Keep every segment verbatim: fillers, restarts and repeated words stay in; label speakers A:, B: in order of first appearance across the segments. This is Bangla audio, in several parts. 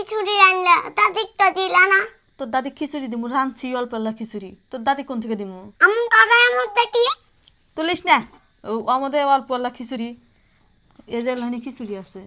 A: খিচুড়ি রান্না দাদিক তো দিলা না।
B: তোর দাদি খিচুড়ি দিমু, রাঁধছি অল্প আল্লাহ খিচুড়ি। তোর দাদি কোন থেকে দিমু?
A: আমু কাকার মধ্যে কি
B: তুলিস না, ও আমাদের অল্প আল্লাহ খিচুড়ি, এদের লাইনে খিচুড়ি আছে।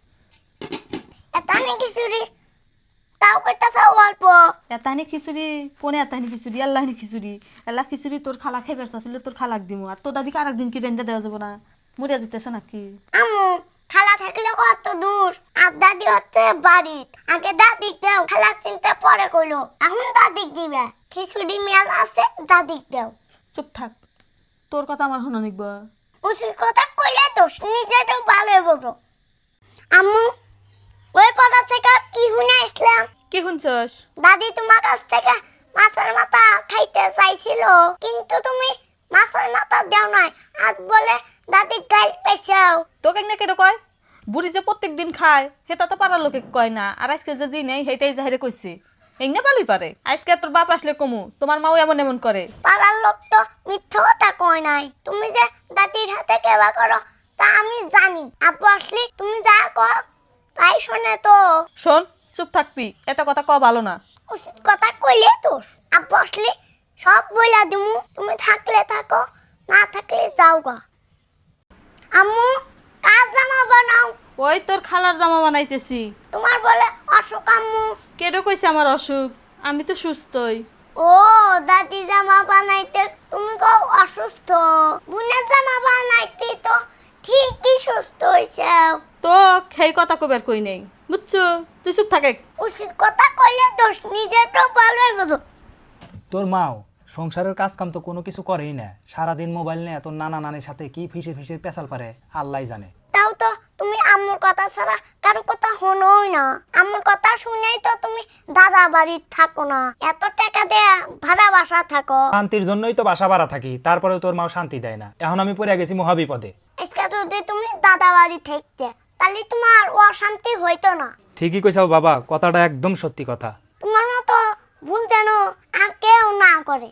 A: এতানি খিচুড়ি তাও কইতাছ অল্প।
B: এতানি খিচুড়ি কোনে এতানি খিচুড়ি? আল্লাহনি খিচুড়ি। আল্লাহ খিচুড়ি তোর খালা খাইবার চাইলে তোর খালাক দিমু, আর তোর দাদিকে আর একদিন কি রেঞ্জা দেওয়া যাবো না? মরিয়া যেতেছে নাকি?
A: আমু খালা থাকলে কত দূর, আর দাদি হচ্ছে বাড়িত। আগে দাদিক দাও, খালা চিন্তা পরে কইলো, এখন দাদিক দিবে। খিচুড়ি মেল আছে, দাদিক দাও।
B: চুপ থাক, তোর কথা আমার শোনা নিকব।
A: উচিত কথা কইলে তো নিজেটাও ভালো বোঝো। আম্মু ওই কথা থেকে কি শুনে আসলাম?
B: কি শুনছস?
A: দাদি তোমার কাছ থেকে মাছের মাথা খাইতে চাইছিল, কিন্তু তুমি মাছের মাথা দাও নাই। আজ বলে দাদি গাইল পেছাও।
B: তোকে না কেন কয়? বুড়ি যে প্রত্যেক দিন খায় সেটা তো পাড়ার লোকে কয় না, আর আজকে যে জি নেই সেইটাই জাহিরে কইছে। এই না পালি পারে, আজকে তোর বাপ আসলে কমু, তোমার মাও এমন এমন করে।
A: পাড়ার লোক তো মিথ্যা কথা কয় নাই। তুমি যে দাদির হাতে কেবা করো তা আমি জানি। আব্বু আসলে তুমি যা কও তাই শোনে তো।
B: শোন, চুপ থাকবি, এটা কথা ক ভালো না।
A: উচিত কথা কইলে তো আব্বু আসলে সব বইলা দিমু। তুমি থাকলে থাকো, না থাকলে যাও গা। আম্মু কাজ জামা বানাও।
B: ওই তোর খালার জামা বানাইতেছি।
A: তোমার বলে অসুখ আম্মু।
B: কেডো কইছে আমার অসুখ? আমি তো সুস্থই।
A: ও দাদি জামা বানাইতে তুমি কও অসুস্থ, বুনের জামা বানাইতে তো ঠিকই সুস্থ হইছে।
B: তো সেই কথা কবার কই নেই, বুঝছো? তুই চুপ থাকে।
A: উচিত কথা কইলে দোষ নিজের তো ভালোই বোঝো।
C: তোর মাও সংসারের কাজ কাম তো কোনো কিছু করেই না, সারাদিন মোবাইল নিয়ে তোর নানা নানির সাথে কি ফিসে ফিসে পেশাল পারে আল্লাহ জানে।
A: তাও তো তুমি আম্মুর কথা ছাড়া কারো কথা শোনোই না। আম্মুর কথা শুনেই তো তুমি দাদা বাড়ির থাকো না, এত টাকা দেয়া ভাড়া বাসা থাকো।
C: শান্তির জন্যই তো বাসা ভাড়া থাকি, তারপরেও তোর মাও শান্তি দেয় না। এখন আমি পড়ে গেছি মহাবিপদে।
A: আজকে যদি তুমি দাদা বাড়ি থাকতে তাহলে তোমার অশান্তি হইতো না।
C: ঠিকই কইছাও বাবা, কথাটা একদম সত্যি কথা।
A: তোমার মতো ভুল যেন আর কেউ না করে।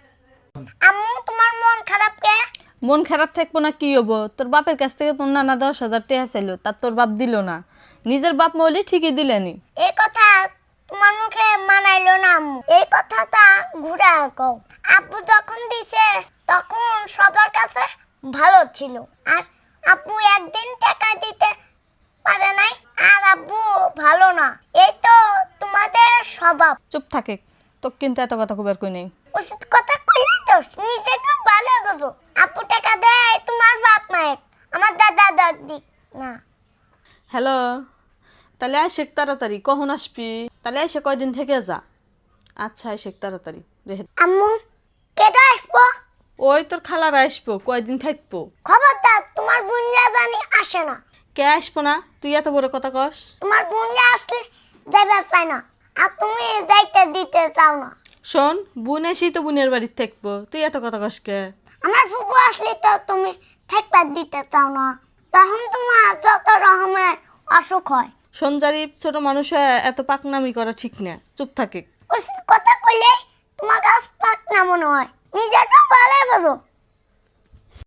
A: আম্মু তোমার মন খারাপ কে?
B: মন খারাপ থাকবো না কি হবো? তোর বাপের কাছ থেকে তোর নানা দশ হাজার টাকা চাইলো, তার তোর বাপ দিল না। নিজের বাপ মরলে ঠিকই দিলেনি।
A: এই কথা তোমার মুখে মানাইলো না আম্মু। এই কথাটা ঘুরা কও। আব্বু যখন দিছে তখন সবার কাছে ভালো ছিল, আর আব্বু একদিন টাকা দিতে পারে নাই, আর আব্বু ভালো না। এই তো তোমাদের স্বভাব।
B: চুপ থাকে, তোর কিন্তু এত কথা কবার কই নেই।
A: উচিত কথা কইলে তো নিজে তো ভালো বোঝো। আব্বু টাকা দেয় তোমার বাপ মায়ের, আমার দাদা দাদি না।
B: হ্যালো, তাহলে আইসেক তাড়াতাড়ি, কখন আসবি? তাহলে আইসে কয়দিন থেকে যা। আচ্ছা আইসেক তাড়াতাড়ি রেহে।
A: আম্মু কেডা আসবো?
B: ওই তোর খালারা আসবো, কয়দিন থাকবো।
A: খবরদার তোমার বোনরা জানি আসে না।
B: কে আসবো না? তুই এত বড় কথা কস।
A: তোমার বোনরা আসলে যাইতে চায় না, আর তুমি যাইতে দিতে চাও না।
B: শোন, বোন এসি তো বোনের বাড়িতে থাকবো, তুই এত কথা কস কে?
A: আমার ফুপু আসলে তো তুমি থাকতে দিতে চাও না, তখন তোমার যত রকমের অসুখ হয়।
B: সঞ্জারিপ ছোট মানুষ হয়ে এত পাকনামি করা ঠিক না, চুপ থাকে।
A: উচিত কথা কইলে তোমার কাছ পাক না মনে হয়। নিজেটা ভালো বোঝো।